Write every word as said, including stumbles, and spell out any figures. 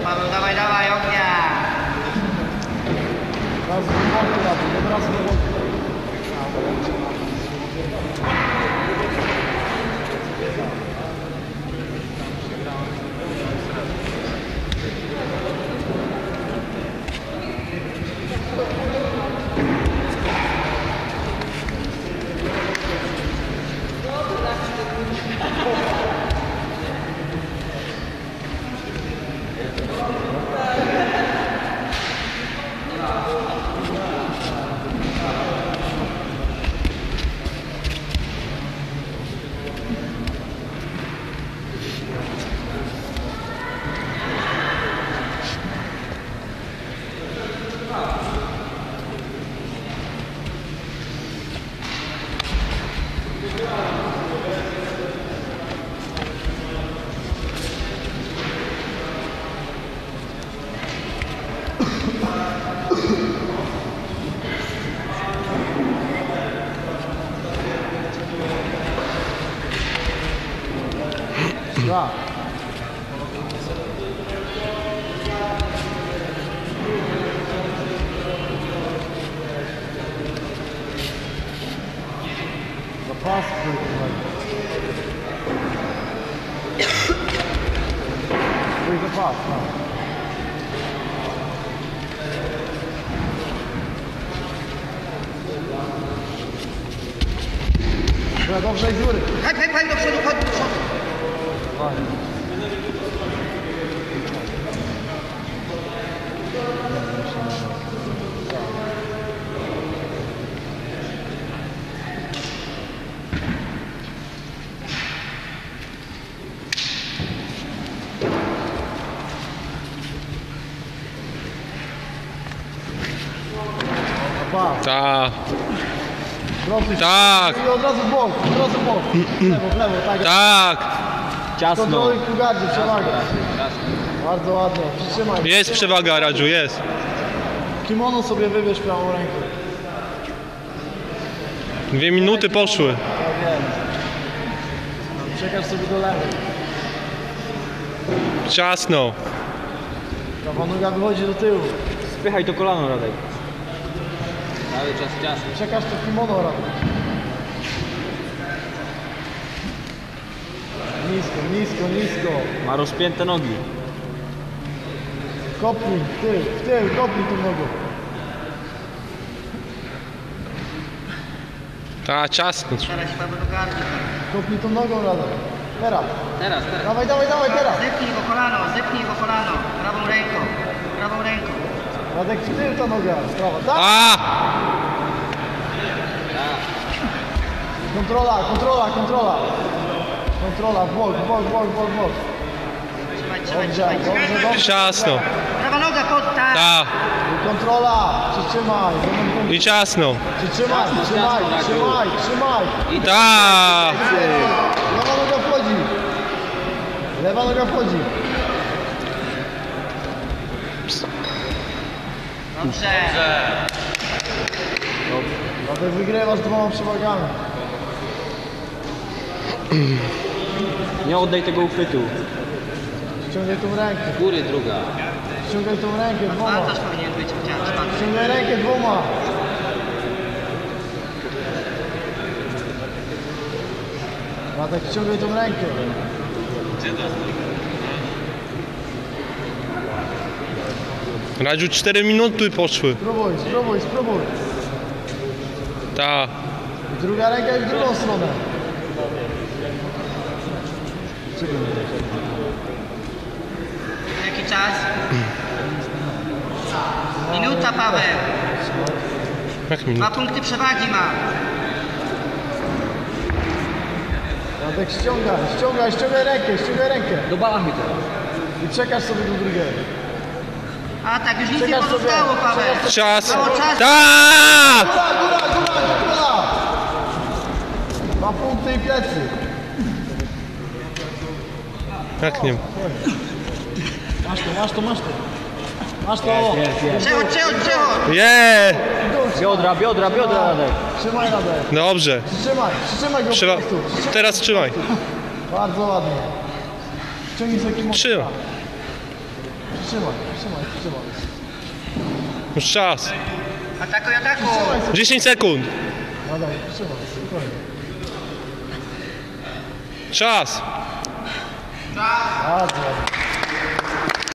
Paweł, dawaj, dawaj, ognia! Raz do boku, raz, raz do boku. Dwa. Zapas twój zapas, no. Dobra, dobrze, i z góry. Hej, hej, hej, do przodu, chodź do przodu. Tak. Proszę, Tak. i od razu w bok, od razu w bok. W lewo, w lewo, tak. Tak. Ciasno. Kontroluj w gardzie, przewagę. Bardzo ładnie, przytrzymaj. Jest przewaga, Radżu, jest. Kimono sobie wybierz prawą rękę. Dwie minuty poszły. Tak jest. Przekaż sobie do lewej. Ciasno. Prawa noga wychodzi do tyłu. Spychaj to kolano, Radek. Cały czas ciasno. Przekaż to kimono, Radek. Nisko, nisko, nisko. Ma rozpięte nogi. Kopnij, w tył, w tył, kopnij tą nogą. Tak, ciasno. Teraz się Paweł do gardu. Kopnij tą nogą, Radek. Teraz. Teraz, teraz. Dawaj, dawaj, dawaj, teraz. Zepnij go kolano, zepnij go kolano. Prawą ręką, prawą ręką. Radek, w tył ta noga. Sprawa. Tak. A! Kontrola, kontrola, kontrola. Kontrola, w bok, w bok, w bok, w bok, w bok. Trzymaj, trzymaj, Dobrze, trzymaj. dobrze, dobrze. Ciasno. Prawa noga pod, tak. Tak. I kontrola, przytrzymaj. I ciasno. Przytrzymaj, trzymaj, trzymaj, trzymaj. Tak. Lewa noga wchodzi. Lewa noga wchodzi. Dobrze. Dlatego wygrywasz dwoma przewagami. Nie oddaj tego uchwytu. Ściągaj tą rękę. Góry druga. Ściągaj tą rękę dwoma. Bandaż powinien być chociaż. Ściągaj rękę dwoma. Radek, ściągaj tą rękę. Radziu, cztery minuty poszły. Spróbuj, spróbuj, spróbuj. Tak. I druga ręka i w drugą stronę. Jaki czas? Minuta, Paweł. Jak Dwa minuta? punkty przewagi ma. Radek, ściągaj, ściągaj, ściągaj rękę, ściągaj rękę. Do balachy teraz. I przekaż sobie do drugiego. A tak, już nic nie Przekaż sobie, pozostało, Paweł. przekaż Czas. Mało czasu. Tak! Góra, góra, góra, góra! Dwa punkty i plecy. Jak nie? Masz to, masz to, masz to. Masz to. Jest, jest. Przechodź, przechodź, przechodź. Je! Biodra, biodra, biodra, Radek. Trzymaj Radek. Dobrze. Przytrzymaj, przytrzymaj go Trzeba. po prostu. Przytrzymaj. Teraz trzymaj. Bardzo ładnie. Ściągnij sobie kimono. Trzymaj. Przytrzymaj, przytrzymaj, przytrzymaj. Już czas. Atakuj, atakuj! Przytrzymaj sobie. dziesięć sekund. Nadal, przytrzymaj, spokojnie. Czas. Bardzo ładnie.